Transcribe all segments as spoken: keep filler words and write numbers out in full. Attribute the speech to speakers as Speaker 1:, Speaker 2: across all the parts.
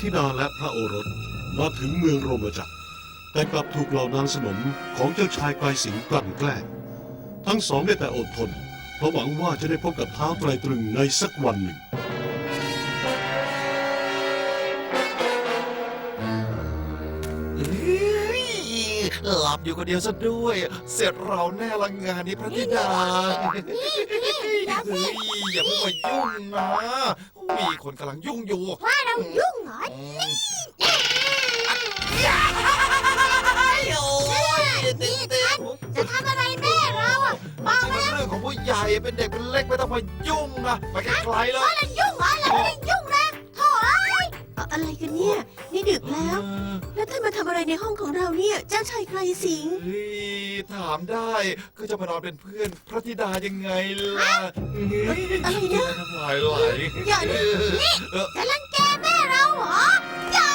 Speaker 1: ธิดาและพระโอรสมาถึงเมืองโรมจักรแต่กลับถูกเหล่านางสนมของเจ้าชายไกลสิงห์กลั่นแกล้งทั้งสองได้แต่อดทนเพราะหวังว่าจะได้พบกับท้าวไตรตรึงในสักวันหนึ่ง
Speaker 2: หลับอยู่คนเดียวซะด้วย เสร็จเราแน่ละงานนี้พระธิดาเฮ้ยอย่าเพิ่งมายุ่งนะ มีคนกำลังยุ่งอยู่
Speaker 3: ว่าเรายุ่งเหรอ
Speaker 2: อืมโอ้ย
Speaker 3: นี่ท่านจะทำอะไรแม่เราอ่ะบอกมา
Speaker 2: เรื่องของผู้ใหญ่เป็นเด็กเป็นเล็กไม่ต้องมายุ่งนะไปไกลๆเลย
Speaker 3: ว่าเรายุ่งเหรอเราไม่ได้ยุ่งนะโถ่เอ้ยอะไรกันเนี่ยนี่ดึกแล้ว แล้วท่านมาทำอะไรในห้องของเราเนี่ยเจ้าชายไกรสิงห์
Speaker 2: เฮ้ยถามได้ก็จะมานอนเป็นเพื่อนพระธิดายังไงล่ะ
Speaker 3: อะไรนะ
Speaker 2: น้ำลายไหล
Speaker 3: อย่านะนี่จะรังแกแม่เราเหรออย่า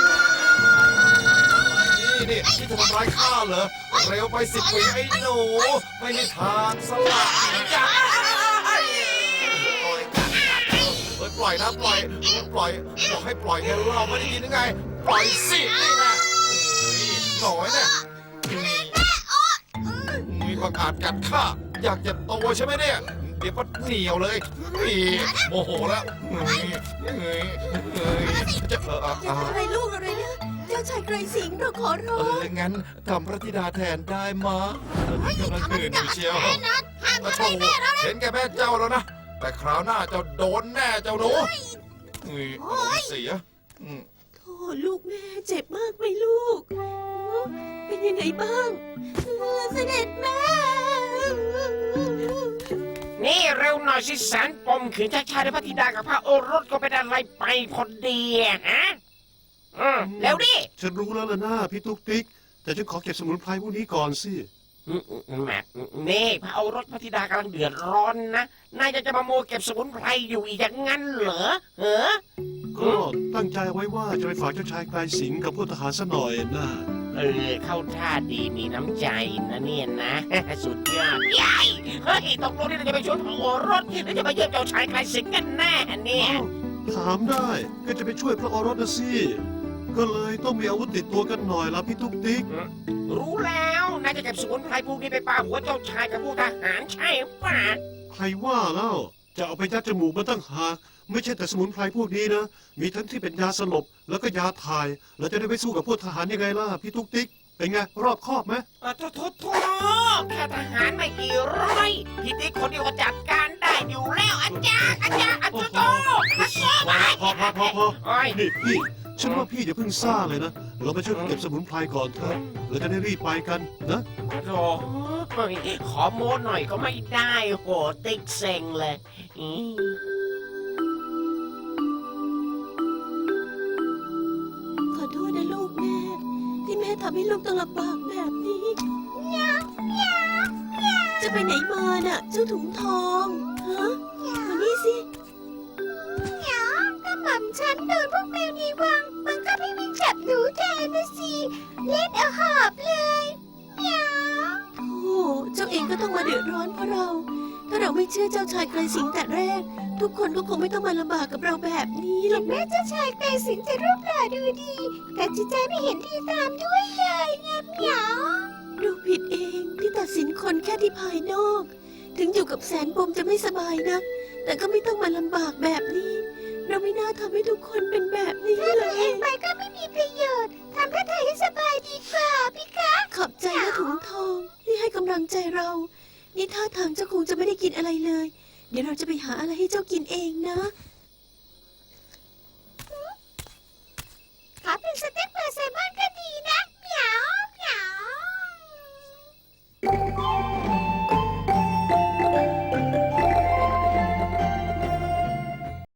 Speaker 2: นี่นี่ที่จะทำร้ายข้าเหรอเร็วไปสิบปีไอ้หนูไม่มีทางสละจ้าปล่อยนะปล่อยปล่อยบอกให้ปล่อยไงเราไม่ได้ยินยังไงปล่อยสินี่นะหน่อยเนี่ยมีประกาศกัดข้าอยากจะโตใช่ไหมเนี่ยเดี๋ยวก็เหนียวเลยนี่โมโหแล้วจะเออ
Speaker 3: จะทำอะไรลูกอะไรนะเจ้าชายไกรสิงห์เราขอร้
Speaker 2: เอ
Speaker 3: อง
Speaker 2: องั้นทำพระธิดาแทนได้มะกำลังตื่นอยู่เชียว
Speaker 3: แน่นอนห้าม
Speaker 2: มา
Speaker 3: ทำ
Speaker 2: โช
Speaker 3: อะไร
Speaker 2: ว์
Speaker 3: แม่เรานะ
Speaker 2: เห็นแกแม่เจ้าแล้วนะแต่คราวหน้าเจ้าโดนแน่เจ้าหนูเสีย
Speaker 3: โธ่ลูกแม่เจ็บมากไหมลูก เป็นยังไงบ้างเสด็จแม่
Speaker 4: นี่เร็วหน่อยสิแสนปมขืนชายชายและพระธิดากับพระโอรสก็เป็นอะไรไปพอดีอะฮะอืมแล้วดิ
Speaker 1: ฉันรู้แล้วล่ะนะพี่ตุ๊กติ๊กแต่ฉันขอเก็บสมุนไพรพวกนี้ก่อนสิ
Speaker 4: อืมอืมแหมนี่พระโอรสพระธิดากำลังเดือดร้อนนะนายจะจะมาโมวเก็บสมุนไพรอยู่อีกอย่างงั้นเหรอเหรอ
Speaker 1: ก็ตั้งใจไว้ว่าจะไปฝากเจ้าชายไกลสิงห์กับพวกทหารซะหน่อยนะ
Speaker 4: เออเข้าท่าดีมีน้ำใจนะเนี่ยนะ สุดยอดใหญ่เฮ้ยตกลงนี่เราจะไปช่วยพระโอรสหรือจะไปเยี่ยมเจ้าชายไกลสิงห์กันแน่เนี่ย
Speaker 1: ถามได้ก็จะไปช่วยพระโอรสนะสิก็เลยต้องมีอาวุธติดตัวกันหน่อยละพี่ตุ๊กติ๊ก
Speaker 4: รู้แล้วนายจะเก็บสมุนไพรพวกนี้ไปปาหัวเจ้าชายกับพวกทหารใช่ป่ะ
Speaker 1: ใครว่าแล้วจะเอาไปยัดจมูกมาตั้งหากไม่ใช่แต่สมุนไพรพวกนี้นะมีทั้งที่เป็นยาสลบแล้วก็ยาถ่ายแล้วจะได้ไปสู้กับพวกทหารยังไงล่ะพี่ตุ๊กติ๊กเป็นไงรอบคอบไหม
Speaker 4: อ่ะโทษโทษโทษแค่ทหารไม่กี่ร้อยพี่ติ๊กคนเดียวก็จัดการได้อยู่แล้วอาจารย์อาจารย์อาจารย์โตอาจารย์
Speaker 1: พอพอพอพอ
Speaker 4: โอ้ย
Speaker 1: นี่พี่ฉันว่าพี่อย่าเพิ่งซ่าเลยนะเราไปช่วยกันเก็บสมุนไพรก่อนเถอะเราจะได้รีบไปกันนะ
Speaker 4: โถ่ขอโม้หน่อยก็ไม่ได้โหติ๊กเซ็งเลยอี๋
Speaker 3: ขอโทษนะลูกแม่ที่แม่ทำให้ลูกต้องลำบากแบบนี้จะไปไหนมาน่ะเจ้าถุงทองฮะมานี่สิถ้าหม่ำฉันโดนพวกแมวนี้วังมันก็ไม่มีจับหนูแทนนะสิเล่นเอาหอบเลยโอ้เจ้าเองก็ต้องมาเดือดร้อนเพราะเรา ถ้าเราไม่เชื่อเจ้าชายไกรสิงห์แต่แรก ทุกคนก็คงไม่ต้องมาลำบากกับเราแบบนี้หรอกแม้เจ้าชายไกรสิงห์จะรูปหล่อดูดีแต่จิตใจไม่เห็นดีตามด้วยเลยนะเหมียวลูกผิดเองที่ตัดสินคนแค่ที่ภายนอก ถึงอยู่กับแสนปมจะไม่สบายนะแต่ก็ไม่ต้องมาลำบากแบบนี้ เราไม่น่าทำให้ทุกคนเป็นแบบนี้เลยตัวเองไปก็ไม่มีประโยชน์ทำเพื่อเธอให้สบายดีกว่าพี่คะขอบใจนะถุงทองที่ให้กำลังใจเรา นี่ท่าทางเจ้าคงจะไม่ได้กินอะไรเลย เดี๋ยวเราจะไปหาอะไรให้เจ้ากินเองนะ